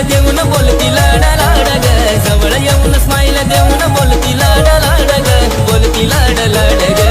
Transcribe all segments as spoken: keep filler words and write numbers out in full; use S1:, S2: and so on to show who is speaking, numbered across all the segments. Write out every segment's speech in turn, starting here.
S1: देऊन बोलती लाडा लाड ग जवळ येऊन स्माईल देऊन बोलती लाडा लाड ग बोलती लाड लाड ग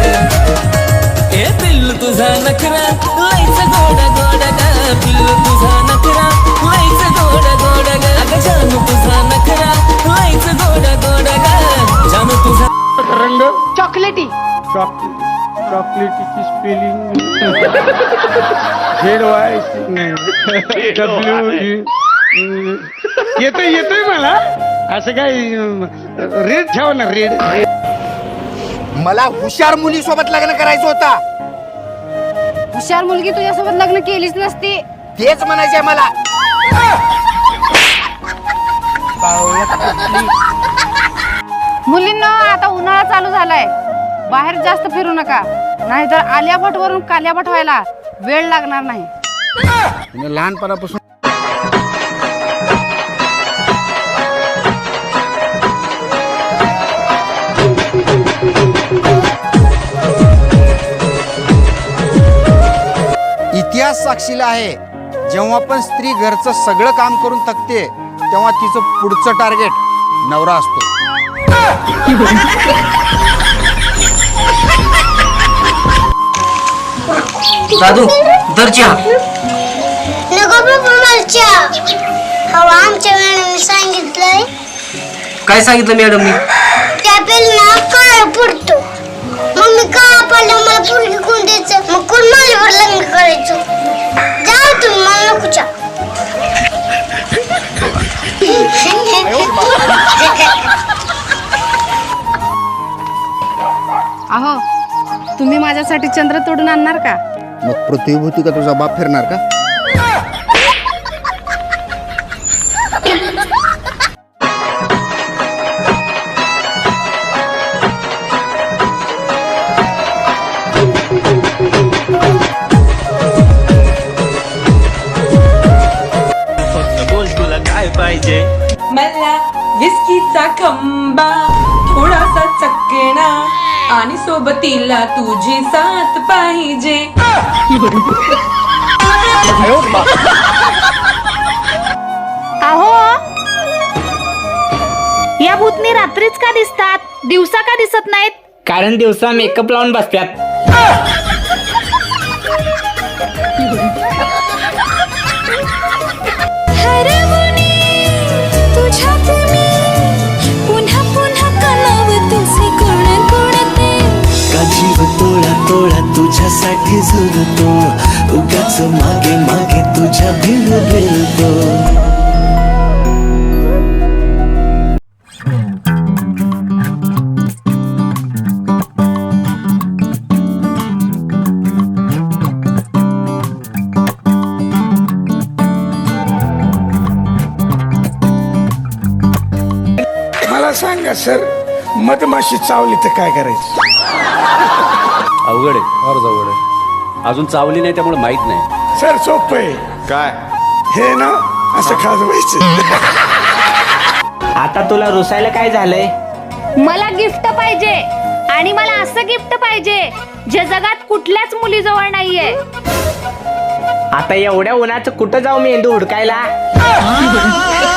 S1: ए पिल्लू तुझा नखरा लईच गोड गोड ग पिल्लू तुझा नखरा लईच गोड गोड ग अगं जानू तुझा नखरा लईच गोड गोड ग जानू तुझा
S2: रंग
S3: चॉकलेटी
S2: चॉकलेटीची स्पेलिंग झेड वाय डब्ल्यू येतोय येतोय मला असं काय रेड ठेवा ना रेड.
S4: मला हुशार मुली सोबत लग्न करायचं होता.
S3: हुशार मुलगी तुझ्यासोबत लग्न केलीच नसती.
S4: तेच म्हणायचंय मला.
S3: मुलींना आता उन्हाळा चालू झालाय, बाहेर जास्त फिरू नका, नाहीतर आलिया भट वरून कालिया भट व्हायला वेळ लागणार नाही.
S4: लहानपणापासून इतिहास साक्षीला आहे, जेव्हा पण स्त्री घरचं सगळं काम करून थकते तेव्हा तिचं पुढचं टार्गेट नवरा असतो.
S5: दादू दर्जा
S6: नको बाबा मरच्या. हवा आमच्या मॅडमने सांगितलंय.
S5: काय सांगितलं मॅडमनी?
S6: त्या पेलना काळा पडतो. मग मी काळा पडला मला पोरगी कोण द्यायचं, मग कोण माझ्यावर लग्न करायचं. जा तुम्ही, मला नकोच्या.
S3: अहो तुम्ही माझ्यासाठी चंद्र तोडून आणणार का?
S4: मग पृथ्वीभूती का तुझा बाप फिरणार का?
S1: बोल तुला काय पाहिजे.
S7: मला विस्कीचा खंबा, थोडासा चकणा आणि सोबतीला तुझी साथ पाहिजे.
S3: अहो या भूतनी रात्रीच का दिसतात, दिवसा का दिसत नाहीत?
S5: कारण दिवसा मेकअप लावून बसतात.
S1: जीव तोळा तोळा तुझ्यासाठी झुरतो, उगाच मागे मागे तुझ्या भिल भिलतो.
S2: मला सांगा सर, मधमाशी चावली तर काय करायचं?
S8: अवघड आहे, फार अवघड आहे. अजून चावली नाही त्यामुळे माहित नाही.
S2: सर सोप आहे. काय हे ना असं खाजवायचं.
S5: आता तुला रुसायला काय झालंय?
S3: मला गिफ्ट पाहिजे, आणि मला असं गिफ्ट पाहिजे जे जगात कुठल्याच मुलीजवळ नाहीये.
S5: आता एवढ्या उन्हाचं कुठं जाऊ मेंदू हुडकायला?